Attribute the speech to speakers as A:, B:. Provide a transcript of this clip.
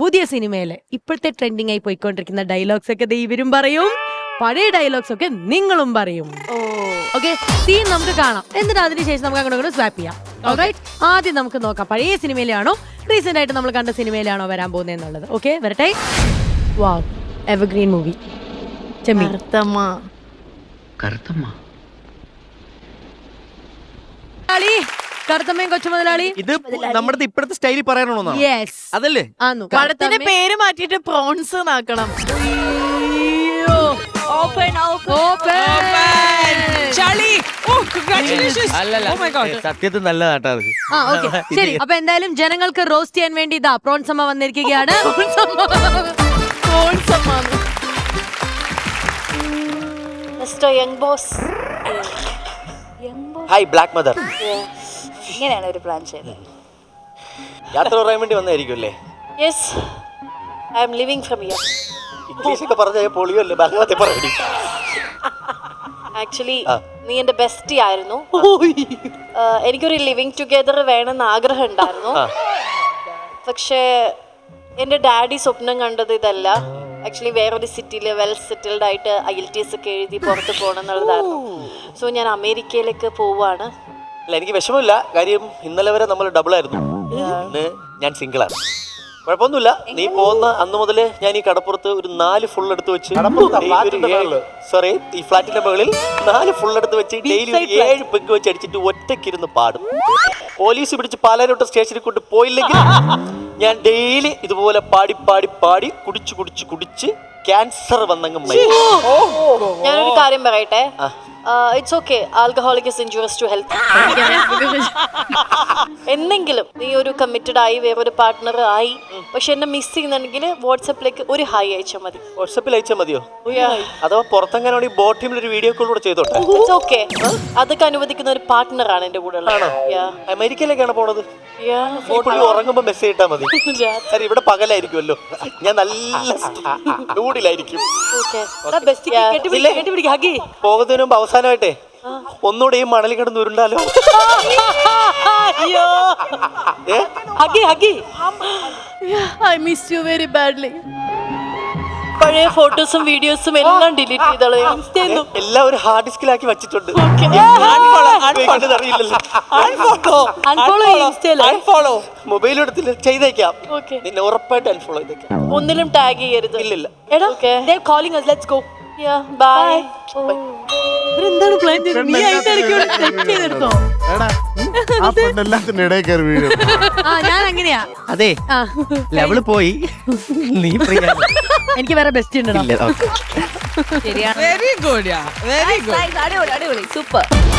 A: പുതിയ സിനിമയിലെ ഇപ്പോഴത്തെ ട്രെൻഡിങ് ആയി പോയിക്കൊണ്ടിരിക്കുന്ന ഡയലോഗ്സ് ഒക്കെ ഇവരും പറയും, പഴയ ഡയലോഗ്സ് ഒക്കെ നിങ്ങളും പറയും. ഓക്കെ, സീൻ നമുക്ക് കാണാം, എന്നിട്ട് അതിനുശേഷം നമുക്ക് അങ്ങോട്ട് സ്വാപ്പ് ചെയ്യാം. ആദ്യം നമുക്ക് നോക്കാം, പഴയ സിനിമയിലാണോ റീസെന്റ് ആയിട്ട് നമ്മൾ കണ്ട സിനിമയിലാണോ വരാൻ പോകുന്നത് എന്നുള്ളത്. ഓക്കെ, വരട്ടെ. വാവ്, എവർഗ്രീൻ മൂവി. കറുത്തമ്മയും കൊച്ചു മുതലാളി.
B: ഇത് നമ്മുടെ ഇപ്പോഴത്തെ സ്റ്റൈലിൽ പറയാനാണോ?
A: യെസ്,
B: അതല്ലേ.
C: പടത്തിന്റെ പേര് മാറ്റിട്ട് പ്രോൺസ് എന്നാക്കണം.
B: സത്യത്തിൽ നല്ലതാട്ടാ അത്.
A: ശരി, അപ്പൊ എന്തായാലും ജനങ്ങൾക്ക് റോസ്റ്റ് ചെയ്യാൻ വേണ്ടി ഇതാ പ്രോൺസ് അമ്മ വന്നിരിക്കുകയാണ്.
B: Hi black mother.
D: ഇങ്ങനെയാണ് ഒരു പ്ലാൻ ചെയ്തത്.
B: യാത്ര പറയാൻ വേണ്ടി വന്നായിരിക്കും അല്ലേ?
D: Yes, I am living from here.
B: English ഒക്കെ പറഞ്ഞ പൊളിയോ അല്ലേ? ബാക്കി പറയടി.
D: ആക്ച്വലി നീ എന്റെ ബെസ്റ്റി ആയിരുന്നു. എനിക്കൊരു ലിവിങ് ടുഗെദർ വേണമെന്ന് ആഗ്രഹം ഉണ്ടായിരുന്നു. പക്ഷേ എൻ്റെ ഡാഡി സ്വപ്നം കണ്ടത് ഇതല്ല. ആക്ച്വലി വേറൊരു സിറ്റിയിൽ വെൽ സെറ്റിൽഡ് ആയിട്ട് IELTS ഒക്കെ എഴുതി പുറത്ത് പോകണം എന്നുള്ളതായിരുന്നു. സോ ഞാൻ അമേരിക്കയിലേക്ക് പോവാണ്.
B: അല്ല, എനിക്ക് വിഷമമില്ല. കാര്യം ഇന്നലെ വരെ നമ്മൾ ഡബിൾ ആയിരുന്നു. ഇന്ന് ഞാൻ സിംഗിളാണ്. കുഴപ്പമൊന്നുമില്ല. നീ പോകുന്ന അന്ന് മുതൽ ഞാൻ ഈ കടപ്പുറത്ത് ഒരു 4 ഫുൾ എടുത്ത് വെച്ച്, സോറി, ഈ ഫ്ലാറ്റിന്റെ മുകളിൽ 4 ഫുൾ എടുത്ത് വെച്ച് ഡെയിലി 7 പെഗ് വെച്ച് അടിച്ചിട്ട് ഒറ്റയ്ക്കിരുന്ന് പാടും. പോലീസ് പിടിച്ച് പാലാരോട്ട് സ്റ്റേഷനിൽ കൊണ്ട് പോയില്ലെങ്കിൽ ഞാൻ ഡെയിലി ഇതുപോലെ പാടി പാടി പാടി കുടിച്ച് കുടിച്ച് കുടിച്ച് ക്യാൻസർ വന്നങ്ങ് മരിക്കും.
D: ഞാനൊരു കാര്യം പറയട്ടെ, it's okay, alcoholic is injurious to health. എന്തെങ്കിലും നീ ഒരു കമ്മിറ്റഡ് ആയി വേറൊരു പാർട്ട്ണർ ആയി, പക്ഷെ എന്നെ മിസ് ചെയ്യുന്നുണ്ടെങ്കിൽ വാട്സാപ്പിലേക്ക് ഒരു ഹായ് അയച്ചാൽ മതി.
B: വാട്സാപ്പിൽ അയച്ചാൽ മതിയോ? അഥവാ പുറത്തെങ്ങാനും ബോട്ട് ടീമിൽ ഒരു വീഡിയോ കോൾ കൂടെ ചെയ്തോട്ടെ?
D: ഇറ്റ്സ് ഓക്കെ, അതൊക്കെ അനുവദിക്കുന്ന ഒരു പാർട്ട്ണറാണ് എന്റെ കൂടെ ഉള്ളത്.
B: അമേരിക്കയിലേക്കാണ് പോണത്. ഉറങ്ങുമ്പോ മെസ്സേജ് ഇട്ടാ മതി. ഇവിടെ പകലായിരിക്കുമല്ലോ, ഞാൻ നല്ല മൂഡിലായിരിക്കും. പോകുന്നതിന് മുമ്പ് അവസാനമായിട്ടേ ഒന്നുകൂടെ ഈ മണലിൽ കിടന്ന് ഉരുണ്ടാലോ?
D: I miss you very badly. പഴയ ഫോട്ടോസും വീഡിയോസും എല്ലാം ഡിലീറ്റ് ചെയ്തോളൂ.
B: എല്ലാം ഒരു ഹാർഡ് ഡിസ്കിലാക്കി വെച്ചിട്ടുണ്ട്. മൊബൈൽ എടുത്തില്ല, ചെയ്തേക്കാം. നിന്നെ ഉറപ്പായിട്ട് അൺഫോളോ ചെയ്തേക്കാം.
D: ഒന്നിലും ടാഗ് ചെയ്യരുത്.
B: ഇല്ലില്ല.
A: എന്താണ് പ്ലാൻ ചെയ്തത്? നീ ചെയ്തെടുത്തോ? ഞാൻ അങ്ങനെയാ.
B: അതെ, ലെവല് പോയി. നീ
A: എനിക്ക് വേറെ ബെസ്റ്റ് ഉണ്ടോ?
C: ശരിയാണ്. വെരി ഗുഡ്, വെരി ഗുഡ്,
D: അടിപൊളി, സൂപ്പർ.